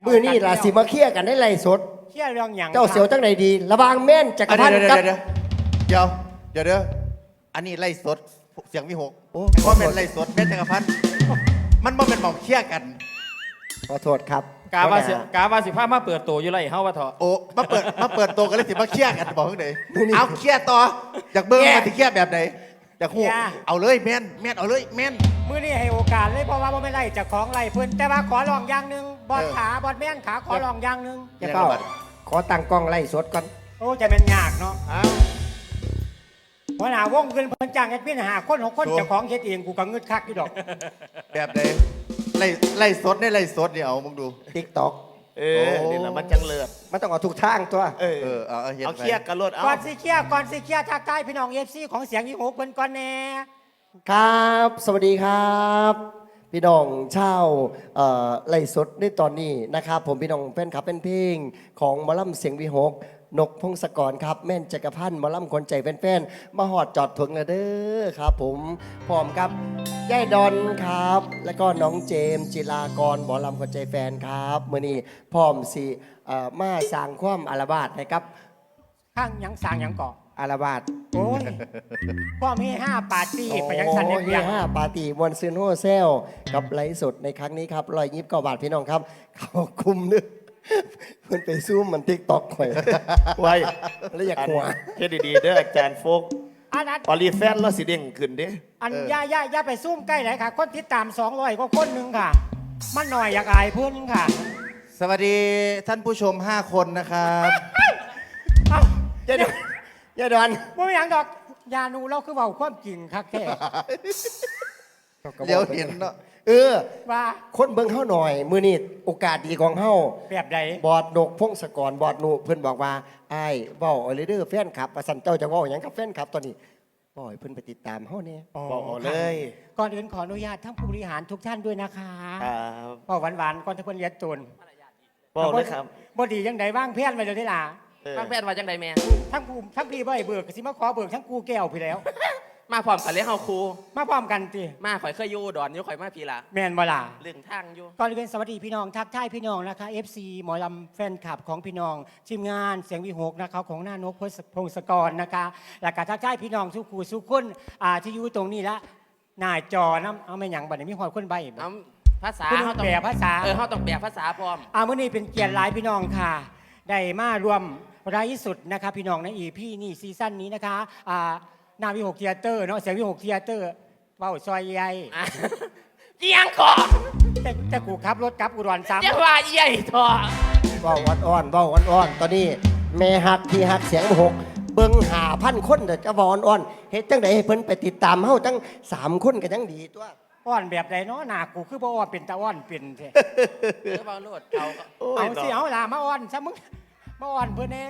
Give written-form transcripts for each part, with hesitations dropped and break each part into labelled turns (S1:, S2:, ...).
S1: มือนี่ล่ะสิมาเคลียร์กันได้ไล่สด
S2: เคลียร์เรื่องหยัง
S1: เจ้าเสียวจังไหนดี ระวังแม่นจักรพันธ์กับ
S3: เดี๋ยวอันนี้ไล่สดเสียงวิหก
S1: โอ้
S3: เพราะเป็นไล่สดแม่จักรพันธ์มันบ่เป็นหมองเชี่ยกัน
S1: ขอโทษครับ
S4: กาว่าสิพามาเปิดตัวอยู่ไรเฮาว่าเถอะ
S3: โอ้มาเปิดตัวกันเลยสิมาเชี่ยกันบอกข้างไหนเอาเชี่ยต่ออยากเบิ้งมาสิเชี่ยแบบไหนอยากหูเอาเลยแม่นเอาเลยแม่น
S2: มื้อนี้ให้โอกาสเลยเพราะว่าบ่แม่นไล่เจ้าของไล่เพิ่นแต่ว่าขอลองอย่างหนึงบอดขาบอดแม่นขาขอลองอย่างหนึง
S1: จะเฝ้าขอตั้งกล้องไล่สดก่อน
S2: โอ้จะแม่นยากเนาะ
S3: เอา
S2: หัวหน้าวงเพิ่นจ้างแอดมิน5คน6คนเจ้าของเฮ็ดเองกูก็งึดคักอยู่ดอก
S3: แบบไหนไล่สดเนี่ยไล่สดเนี่ยเอามึงดู
S1: ติ๊กต็อก
S4: นี่แหละมันจังเลิศ
S1: มันต้องเอาทุกทางตัว
S3: เอาเห็น
S4: เอา
S3: ไหม
S4: เครียดกันรถเอา
S2: ก่อนสิเคลียร์ทักทายพี่น้อง FC ของเสียงวิหกเพิ่นก่อนแน่
S1: ครับ สวัสดีครับ พี่น้องเช่าไล่สดในตอนนี้นะครับ ผมพี่น้องแฟนคลับเป็นเพลงของหมอลำเสียงวิหกนกพงศกรครับแม่นจักรพันธ์หมอลำคนใจแฟนๆมาหอดจอดถึงแล้วเด้อครับผมพร้อมกับย่ายดอนครับ แล้วก็น้องเจมส์จิรากรหมอลำคนใจแฟนครับมื่อนี้พร้อมสิมาสร้างความอาลาบาดนะครับ
S2: ข้างหยังสร้างหยังก่อ
S1: อาลาบาด
S2: โอ้ยพ่อมี5ปาร์ตี้ไปยังสัน
S1: โอ้
S2: เนีย
S1: ห้าปาร์ตี้มวนซืนโฮเซลกับไลฟ์สดในครั้งนี้ครับ129 บาทพี่น้องครับ เขาคุมนึกเพื่อนไปซูมมันติ๊กต็อกหน่อย
S4: ไว้
S1: แล้วอยากหัว
S4: เฮ็ดดีๆเด้ออาจารย์โฟก
S2: อันนั้น
S4: ออลีแฟนแล้วสิเด้งขึ้นเด้
S2: อย่าไปซุ่มใกล้ไหนค่ะ คนติดตาม200กว่าคนหนึงค่ะ มันหน่อยอยากอายเพื่อนค่ะ
S3: สวัสดีท่านผู้ชม5 คนนะครับ
S2: เอ้า
S1: ย่าดอน
S2: บ่มีหยังดอกยานูเราคือเว้าความจริงคักแท้
S3: เดี๋ยวเห็นเนาะ
S2: ว่า
S1: คนเบิ่งเฮาหน่อย มือนี้โอกาสดีของเฮา
S2: แบบใด
S1: บอดนกพงศกรบอดนูเพิ่นบอกว่าอ้ายเว้าเอาเลยเด้อแฟนคลับว่าซั่นเจ้าจะเว้าหยังกับแฟนคลับตอนนี้ปล่อยเพิ่นไปติดตามเฮาเนี่ย
S4: บอกเอาเลย
S2: ก่อนอื่นขออนุญาตทั้งผู้บริหารทุกท่านด้วยนะคะ
S4: ครับ
S2: พอหวานๆก่อนทุกคนเรียนตุน
S4: บอกเลยครับ
S2: บ่ดียังไดว่างเพี้ยนไปเลยนี่ล่ะ
S5: บางแพทย์ว่าจังใดแม่
S2: ทั้งพี่บ่ให้เบิกก็สิมาขอเบิกทั้งกูแก้วพี่แล้ว
S5: มาพร้อมกันเลยเฮาครู
S2: มาพร้อมกันติ
S5: มาข่อยเคยอยู่อุดอนอยู่ข่อยมาพี่ละ
S2: แม่นบ่ล่ะ
S5: เรื่องทางอยู่
S2: ก่อนอื่นสวัสดีพี่น้องทักทายพี่น้องนะคะ FC หมอลำแฟนคลับของพี่น้องทีมงานเสียงวิหกนะคะของหน้านกพงศกรนะคะแล้วก็ทักทายพี่น้องทุกคู่ทุกคนที่อยู่ตรงนี้ละหน้าจอน้ำเอาไม่หยังบัดนี้มีหอยคนใบบ่
S5: เอาภาษา
S2: คุณ
S5: เฮาต้อง
S2: แปลภาษา
S5: เฮาต้องแปลภาษาพร้อม
S2: มื้อนี้เป็นเกียรติหลายพี่น้องค่ะ ได้มารวมรายสุดนะคะพี่น้องในEPนี่ซีซั่นนี้นะคะหน้าวิหกเทียเตอร์เนาะเสียงวิหกเทียเตอร์เว้าซอยใหญ่
S5: อ่ะเอียงขอ
S2: แต่กูขับรถกลับอุดรซ้ำ
S5: จะว่าใหญ่ทอ
S1: เว้าอ่อนๆเว้าอ่อนๆตอนนี้แม่ฮักที่ฮักเสียงวิหกเบิ่ง5,000 คนเด้อจะเว้าอ่อนๆเฮ็ดจังไดให้เพิ่นไปติดตามเฮาตั้ง3 คนก็ยังดีตัว
S2: อ้อนแบบใดเนาะหน้ากูคือบ่อ้อนเป็นตาอ้อนเป็นแท้
S5: เออเบาโลดเอาก็
S2: เอาสิเอาล่ะมาอ้อนซะมึงมาอ้อนเพื่อนแน่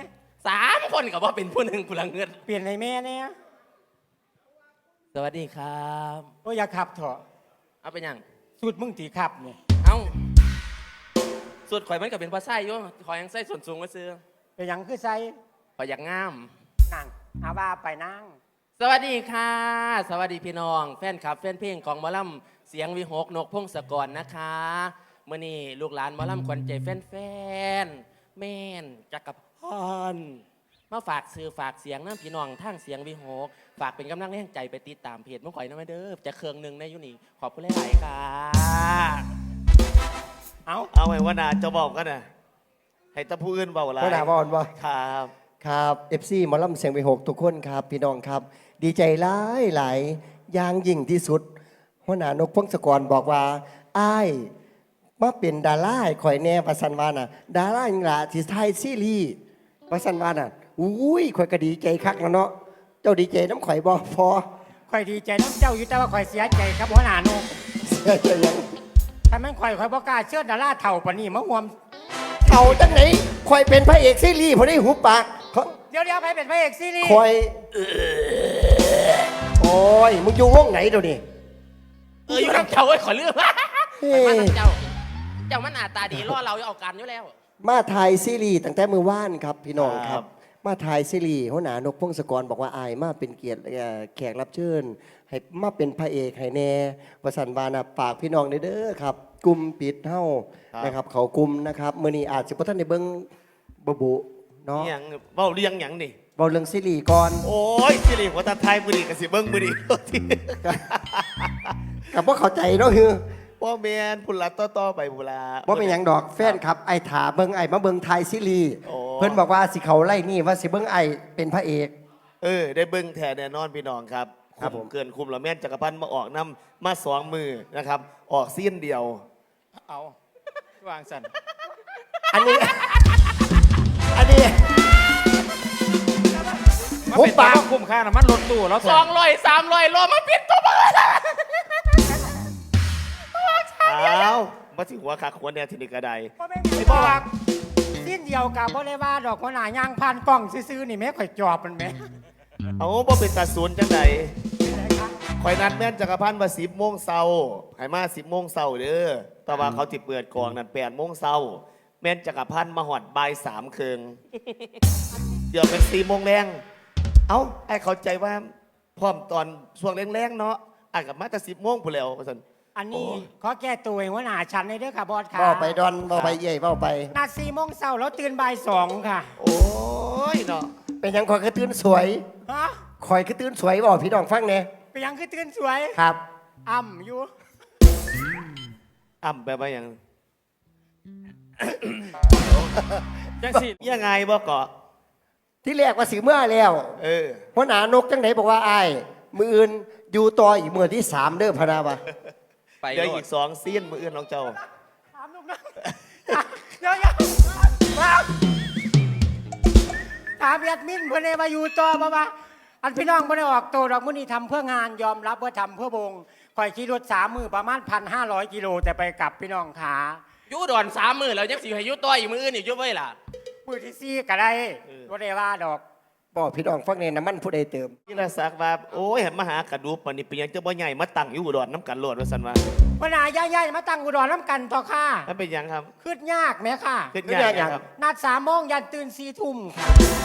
S5: 3 คนก็บ่เป็นผู้หนึงกูละเงิน
S2: เปลี่ยนให้แม่แน่
S5: สวัสดีครับ
S2: โอ้ยอย่าขับเถอะ
S5: เอาเป็นหยัง
S2: สุดมึงตีขับเนี่ย
S5: เอ้าสุดข่อยมันก็เป็นภาษาอยู่ข่อยยังใส่ส่วนสูงไว้ซื้อ
S2: เป็นหยังคือใส่
S5: ข่อยอยากงาม
S2: นั่งอาว่าไปนั่ง
S5: สวัสดีค่ะ สวัสดีพี่น้อง แฟนคลับแฟนเพลงของหมอลำเสียงวิหกนกพงศกรนะคะเมื่อนี้ลูกหลานหมอลำขวัญใจแฟนๆแม่นจักรพันธ์มาฝากซื้อฝากเสียงน้ำพี่น้องทางเสียงวิหกฝากเป็นกำลังแรงใจไปติดตามเพจมื่อข่อยน้ำเด้อจะเครื่องหนึ่งในยุนี่ขอบคุณหลายๆค่ะ
S4: เอาไว้ว่านาจะบอกกันนะให้ตะผู้อื่นเบาอะไร
S1: บ่น่าบ่อ่อนบ่
S4: ครับ
S1: ครับ FC หมอลำเสียงวิหกทุกคนครับพี่น้องครับ ดีใจหลายหลายอย่างยิ่งที่สุดหัวหน้านกพงศกรบอกว่าอ้ายมาเป็นดาราให้ข่อยแน่ประสันวาน่ะดาราอย่างละที่ไทยซีรีส์ประสันวาน่ะอุ้ยข่อยก็ดีใจคักแล้วเนาะเจ้าดีใจน้ำข่อยบ่พอ
S2: ข่อยดีใจน้ำเจ้าอยู่แต่ว่าข่อยเสียใจครับหัวหน้าโนก
S1: เสียใจยัง
S2: ถ้าแม่นข่อยบ่กล้าเชื่อดาราเถ่าปานนี้มาห่วม
S1: เอาจังไหนข่อยเป็นพระเอกซีรีส์พอได้หุบปากเขา
S2: เดี๋ยวไปเป็นพระเอกซีรีส์
S1: ข่อยโอ้ยมึงอยู่วงไหนเดี๋ยวนี้
S5: อยู่น้ำเจ้าไอ้ขอเลือก
S1: เฮ้
S5: ไปมาน้ำเจ้า เจ้ามันหน้าตาดีรอเราเอาการอยู่แล้ว
S1: มาถ่ายซีรีส์ตั้งแต่มือว่านครับพี่น้องครับมาถ่ายซีรีส์หัวหน้านกพงศกรบอกว่าอายมาเป็นเกียรติแขกรับเชิญให้มาเป็นพระเอกให้แน่วสันวานะปากพี่น้องเด้อครับกลุ่มปิดเฮานะครับเขากลุ่มนะครับมื้อนี้อาจสิบ่ทันได้เบิ่งบุเนาะ
S4: นี่หยังเว้าเรียงหยังนี่
S1: เว้าเรื่องซีรีส์ก่อน
S4: โอ้ยสิริหัวตาไทยมือดีกับสิเบิ้งมือดี
S1: กับบ่เข้าใจเนาะคือ
S4: พ่อแมนพุนละต่อไปพุนละ
S1: บ่เป็นหยังดอกแฟนครับไอ้ถาเบิ่งไอ้มาเบิ่งไทยซีรีส์
S4: โอ้
S1: เพิ่นบอกว่าสิเขาไล่นี่ว่าสิเบิ่งไอ้เป็นพระเอก
S4: ได้เบิ้งแทนแน่นอนพี่น้องครับ
S1: ครับผม
S4: เกินคุมละแม่นจักรพันธ์มาออกน้ำมา2 มือนะครับ ออกซีนเดียว
S5: เอาวางสัน
S1: อันนี้ อันนี้
S6: มาเป็นตัวคุ้มค่าน้ำมันรถตู้แล้ว
S5: 200 300โลมาปิดตัวมึง
S4: อ้าวมาถึงหัวขาขวญแนวทีนี้กระได
S2: พ่อแม่พี่บอกสิ้นเดียวกับบ่ได้ว่าดอกหัวหน้าย่างผ่านกล้องซื้อๆนี่แม่ข่อยจอบมันแม่
S4: เอาบ่เป็นตาศูนย์จังไดคอยนัดแม่นจักรพันธ์ว่า10 โมงเช้าให้มา10 โมงเช้าเด้อแต่ว่าเขาสิเปิดกองนั่น8 โมงเช้าแม่นจักรพันธ์มาหอดบ่าย3 ครึ่งเดี๋ยวเป็น4 โมงแรงเอ้าไอ้เข้าใจว่าพร้อมตอนช่วงแรงๆเนาะอ่านกับมาแต่10 โมงพุ่นแล้วว่าซั่น
S2: อันนี้ขอแก้ตัวเองหัวหน้าฉันในเด้อค่ะบอสค่ะ
S1: เว้าไปดอนเว้าไปเย่เว้าไป
S2: นัด4 โมงเช้าแล้วตื่นบ่าย2ค่ะ
S4: โอ้ยเนาะ
S1: เป็นหยังคอยคือตื่นสวย
S2: ฮะ
S1: คอยคือตื่นสวยบอกพี่น้องฟังแน่
S2: ไปยังคือตื่นสวย
S1: ครับ
S2: อ่ำอยู่
S4: อ่ำไปว่าหยัง
S6: จังสิ
S4: ยังไงบ่เกาะ
S1: ที่แรกว่าสิเมื่อแล้ว
S4: เออ
S1: หัวหน้านกจังไหนบอกว่าอ้ายมืออื่นอยู่ต่ออีกมื้อที่3เด้อพะนาวะ
S5: ไป
S4: เดี๋ยว
S5: โล
S4: อี
S5: ด
S4: ก2 ซีนมื้ออื่นน้องเจ้า
S2: ถามลูกน้องเดี๋ยวมาถามแอดมินเพื่อนเลยมาอยู่ต่อบ่มาอันพี่น้องไม่ได้ออกโตดอกมื้อนี้ทำเพื่องานยอมรับว่าทำเพื่อวงคอยขี่รถ3 มือประมาณ1,500 กิโลแต่ไปกลับพี่น้องขา
S5: อยู่ดอน3 มื้อแล้วยังสิให้อยู่ต่ออีกมื้ออื่นอีกอยู่ไว้ล่ะ
S2: มือที่ 4ก็ได้บ่ได้ว่าดอก
S1: บอกพี่น้องฟังแน่น้ำมันผู้ใดเติม
S4: นี่ละสักว่าโอ้ยเห็นมาหากระดูกปานนี้เป็นหยังจะบ่ใหญ่มาตั้งอยู่อุดรน้ำกันโลดว่าซั่นว่า
S2: ปัญหาใหญ่ๆมาตั้งอุดรน้ำกันต่อค่ะ
S4: มันเป็นหยังครับ
S2: ขึ้นยากไหมค่ะ
S4: เป็นหยังครับ
S2: นัด3 โมงยันตื่น4 ทุ่มค่ะ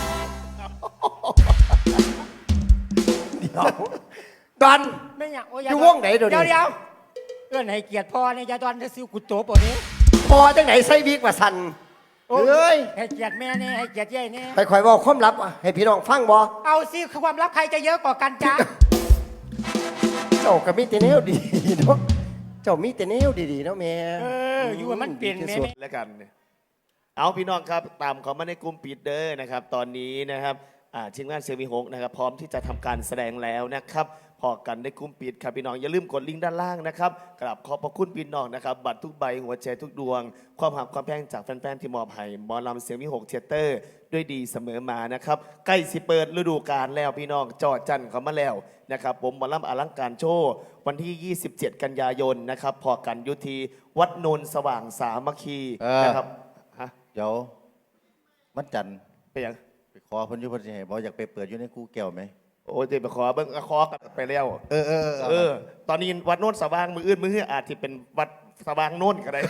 S1: ดอน
S2: ไม่อยากโอ้ย
S1: อยู่วงไหนเดี๋ยวนี้
S2: เดี๋ยวเอื้อนให้เกียรติพ่อเนี่ยอย่าดอนจะซิวกุโตปนี้
S1: พอจังไหนใส่วิกว่าสันเอ้ย
S2: ให้เกียรติแม่เนี่ยให้เกียรติยายเนี่ย
S1: ไปคอยบอกความลับให้พี่น้องฟังบ่
S2: เอาสิความลับใครจะเยอะกว่ากันจ๊ะ
S1: เจ้าก็มีแต่แนวดีเนาะเจ้ามีแต่แนวดีๆเนาะแม่
S2: อยู่ให้มันเปลี่ยนแม่
S1: ที่สุด
S4: แล้วกันเนี่ยเอาพี่น้องครับตามเขามาในกลุ่มปิดเด้อนะครับ ตอนนี้นะครับทีมงานเซมิฮกนะครับพร้อมที่จะทำการแสดงแล้วนะครับพอกันในกลุ่มปิดครับพี่น้องอย่าลืมกดลิงก์ด้านล่างนะครับกราบขอบพระคุณพี่น้องนะครับบัตรทุกใบหัวใจทุกดวง ความหักความแพงจากแฟนๆที่มอบให้หมอลำเสียงวิหกเทยเตอร์ด้วยดีเสมอมานะครับใกล้สิเปิดฤดูกาลแล้วพี่น้องจอดจันเขามาแล้วนะครับผมหมอลำอลังการโชว์วันที่ 27 กันยายนนะครับพอกันยุทีวัดโนนสว่างสามัคคีนะครับฮะ
S3: เดี๋ยวมันจันทร์
S4: ไปยัง
S3: ไปขอเพิ่นอยู่เพิ่นสิให้บ่อยากไปเปิดอยู่ในกูแก้วไหม
S4: โอ้ยเดี๋ยวไปขอเบิ้งขอกันไปแล้ว
S3: เออ
S4: ตอนนี้วัดโน้นสว่างมืออื่นมือฮื้ออาจจะเป็นวัดสว่างโน้นก็ได้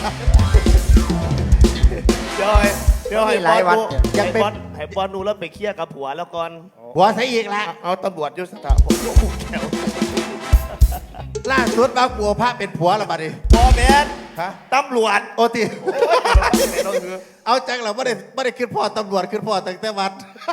S4: เดี๋ยวให้
S1: มีหลายวัด
S4: ให้บอลนูแล้วไปเคลียร์กับผัวแล้วก่อน
S3: หัวใส่อีกละ
S4: เอาตำรวจยศสถาผมยกหูแขว
S3: ล่าสุดว่าปัวพระเป็นผัวแล้วบัดนี้
S4: บอแมน
S3: ฮะ
S4: ตำรวจ
S3: โอติเอาจังเราไม่ได้ขึ้นพ่อตำรวจขึ้นพ่อตั้งแต่วัด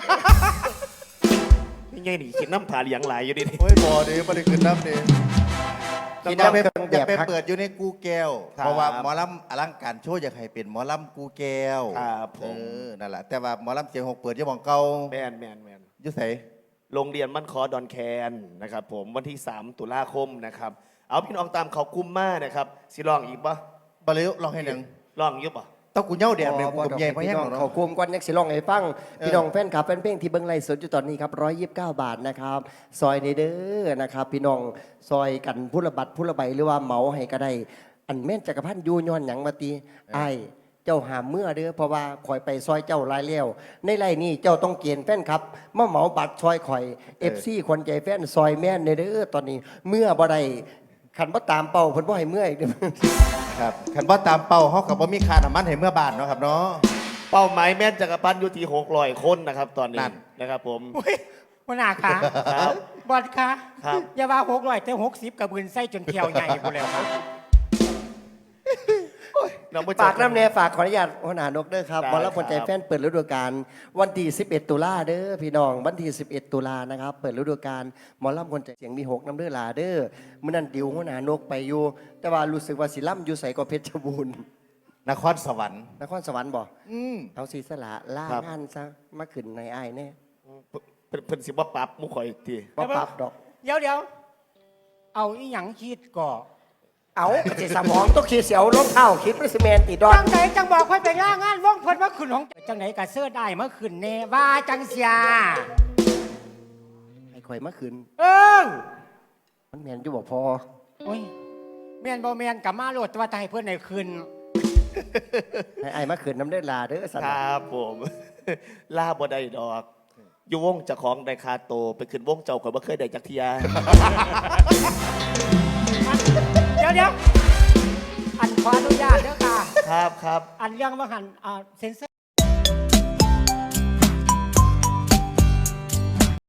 S4: นี่ไงนี่คิดน้ำผาเหลียงหลายอยู่ดิ
S3: โอ้ยบ่ดีไม่ได้ขึ้นน้ำนี่
S1: กิน
S3: อยาก
S1: น้ำ
S3: ไป
S1: เครื่อง
S3: อยากไป
S1: แบบครับ
S3: เปิดอยู่ในกูแก้ว
S4: ครับ
S3: เพราะว่าหมอลำอลังการโชว์อยากให้เป็นหมอลำกูแก้ว
S4: ครับผม
S3: นั่นแหละแต่ว่าหมอลำเสียงหกเปิดอยี่หมองเก่า
S4: แมน
S3: อ
S4: แมน
S3: ยุ่ใส่
S4: โรงเรียนมั่นคอดอนแคนนะครับผมวันที่ 3 ตุลาคมนะครับ เอาพี่น้องตามเขาคุ้มมากนะครับสิลองอีกปะ
S3: บริวลองให้หนึ่ง
S4: ลองอยุบปะ
S3: ต้องกูเหย้าแดดเลยกูกับใหญ่เพราะแห้ง
S1: พี่น้อง
S3: เนาะ
S1: เขากลุ่มก่อนนักสิร้องให้ฟังพี่น้องแฟนคลับแฟนเพลงที่เบิ่งไลฟ์สดอยู่ตอนนี้ครับ129 บาทนะครับซอยในเด้อนะครับพี่น้องซอยกันผู้ละบัตรผู้ละใบหรือว่าเหมาให้ก็ได้อันแม่นจักรพันธ์อยู่ย้อนหยังมาตีไอ้ายเจ้าหามเมื่อเด้อเพราะว่าข่อยไปซอยเจ้าหลายแล้วในไร่นี้เจ้าต้องเกณฑ์แฟนครับมาเหมาบัตรซอยข่อย FC คนใจแฟนซอยแม่นในเด้อตอนนี้เมื่อบ่ได้ขันบ่ตามเป้าเพิ่นบ่ให้เมื่ออีกเด้อ
S3: ครับขันบ่ตามเป้าเขากับบ่มีค่าน้ำมันให้เมื่อบานเนาะครับเนาะ
S4: เป้าหมายแม่นจักรพันธ์อยู่ที่600 คนนะครับ ตอนนี้นะครับผม
S2: อุ้ยหัวหน้าค่ะ
S4: ครับ
S2: บอดค่ะ
S4: ครับ
S2: อย่าว่า600แต่60กับบืนไส้จนเที่ยวใหญ่กูแล้วครับ
S1: ฝากน้ำแน่ฝากขออนุญาตหัวหน้านกเด้อครับ
S4: ได้
S1: หมอลำคนใจ
S4: ครับ
S1: แฟนเปิดฤดูกาลวันที่11 ตุลาเด้อพี่น้องวันที่11 ตุลานะครับเปิดฤดูกาลหมอลำคนใจเสียงมี6น้ำเด้อลาเด้อมื้อนั้นดิวหัวหน้านกไปอยู่ แต่ว่ารู้สึกว่าสิล่ำอยู่ใส่ก็เพชรบูรณ์
S3: นครสวรรค์
S1: นครสวรรค์บ่
S3: อืม
S1: เอาสีสละล่างานซะมาขึ้นในอ้ายแน่
S4: เพิ่นสิบ่ปรับหมุข่อยอีกที
S1: บ่ปรับดอก
S2: เดี๋ยวเอาอีหยังคิดก่อ
S1: เอากระสิสมองต้องขีดเสียวรองเท้าคิดปริสแมนติดดอ
S2: จั
S1: น
S2: งไหนจังบอกค่อยไปล่างานว่องเพิ่นมาขึ้นของจังไหนกะเสื้อได้มาขึ้นแน่ว่าจังเสีย
S1: ไอ้ข่อยมาขึ้น
S2: เออ
S1: มันแมนอยู่บ่พอ
S2: โอ้ยแม่นบ่แม่นกับมาโลดแต่ว่าตายเพิ่นให้ขึ้น
S1: ให้อ้ายมาขึ้นน้ำเด้อลาเด้อสัน
S4: ครับผม ลาบ่ได้ดอก อยู่วงเจ้าของได้คาโตไปขึ้นวงเจ้าข่อยบ่เคยได้จักเทีย
S2: เดี๋ยวอันขออนุญาตเด้อค่ะ
S4: ครับครับ
S2: อันเรื่องว่าหันเซ็นเซอร์